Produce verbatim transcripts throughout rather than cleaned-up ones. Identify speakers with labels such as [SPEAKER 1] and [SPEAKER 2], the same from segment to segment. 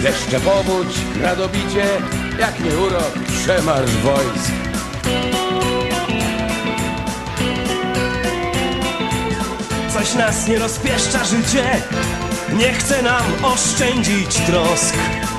[SPEAKER 1] Deszcze powódź, gradobicie, jak nie urok, przemarsz wojsk.
[SPEAKER 2] Coś nas nie rozpieszcza życie, nie chce nam oszczędzić trosk.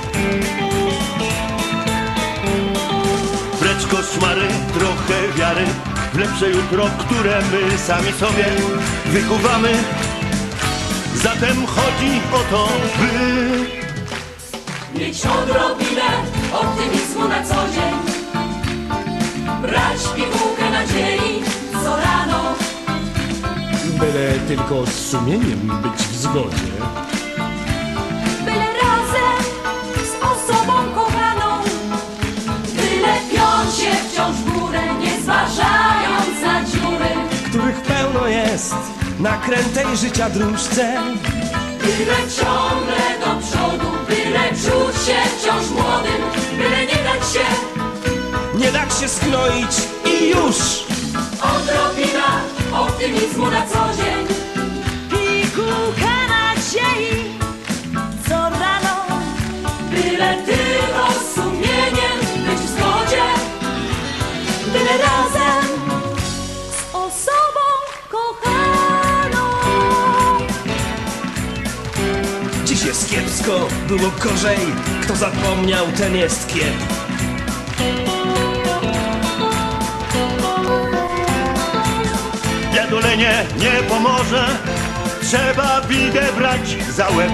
[SPEAKER 3] Precz koszmary, trochę wiary w lepsze jutro, które my sami sobie wykuwamy. Zatem chodzi o to, by
[SPEAKER 4] mieć odrobinę optymizmu na co dzień, brać pigułkę nadziei co rano.
[SPEAKER 5] Byle tylko z sumieniem być w zgodzie.
[SPEAKER 4] Byle razem z osobą kochaną, byle piąć się wciąż w górę, nie zważając na dziury,
[SPEAKER 2] Których pełno jest na krętej życia dróżce.
[SPEAKER 4] byle ciągle do przodu, byle czuć się wciąż młodym, byle nie dać się.
[SPEAKER 2] Nie dać się skroić i już.
[SPEAKER 4] Odrobina optymizmu na co dzień,
[SPEAKER 6] Pigułka nadziei co rano.
[SPEAKER 4] byle tylko z sumieniem być w zgodzie,
[SPEAKER 6] Byle razem z osobą kochaną.
[SPEAKER 2] Dziś jest kiepsko, było gorzej. Kto zapomniał, ten jest kiep.
[SPEAKER 3] biadolenie nie pomoże. Trzeba bidę brać za łeb.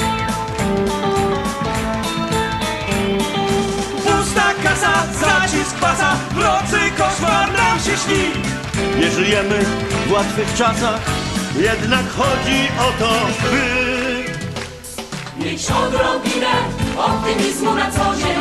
[SPEAKER 2] Pusta kasa, zacisk pasa, w nocy koszmar nam się śni.
[SPEAKER 3] Nie żyjemy w łatwych czasach, jednak chodzi o to, by
[SPEAKER 4] mieć odrobinę optymizmu na co dzień,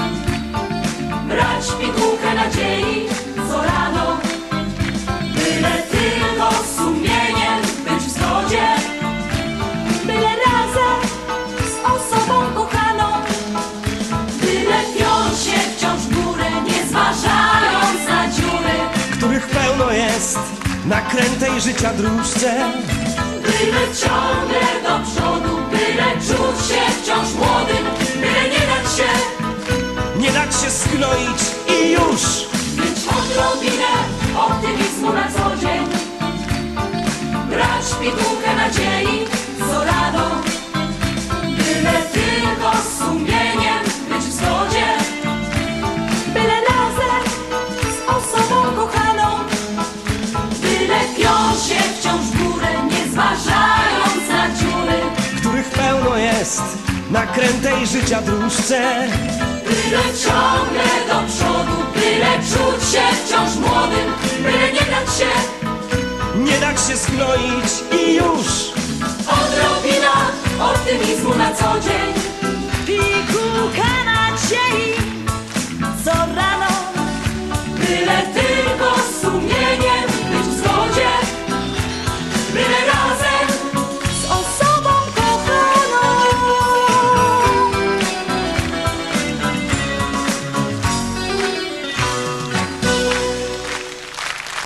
[SPEAKER 4] brać pigułkę nadziei co rano, byle tylko z sumieniem być w zgodzie,
[SPEAKER 6] Byle razem z osobą kochaną.
[SPEAKER 4] byle piąć się wciąż w górę, nie zważając na dziury,
[SPEAKER 2] Których pełno jest na krętej życia dróżce.
[SPEAKER 4] byle ciągle do przodu, byle czuć się wciąż młodym, byle nie dać się.
[SPEAKER 2] Nie dać się skroić i już.
[SPEAKER 4] Mieć odrobinę optymizmu na co dzień, brać pigułkę nadziei co rano, byle tylko z sumieniem być w zgodzie,
[SPEAKER 6] Byle razem z osobą kochaną.
[SPEAKER 4] byle piąć się wciąż w górę, nie zważając na dziury,
[SPEAKER 2] Których pełno jest na krętej życia dróżce.
[SPEAKER 4] byle ciągle do przodu, byle czuć się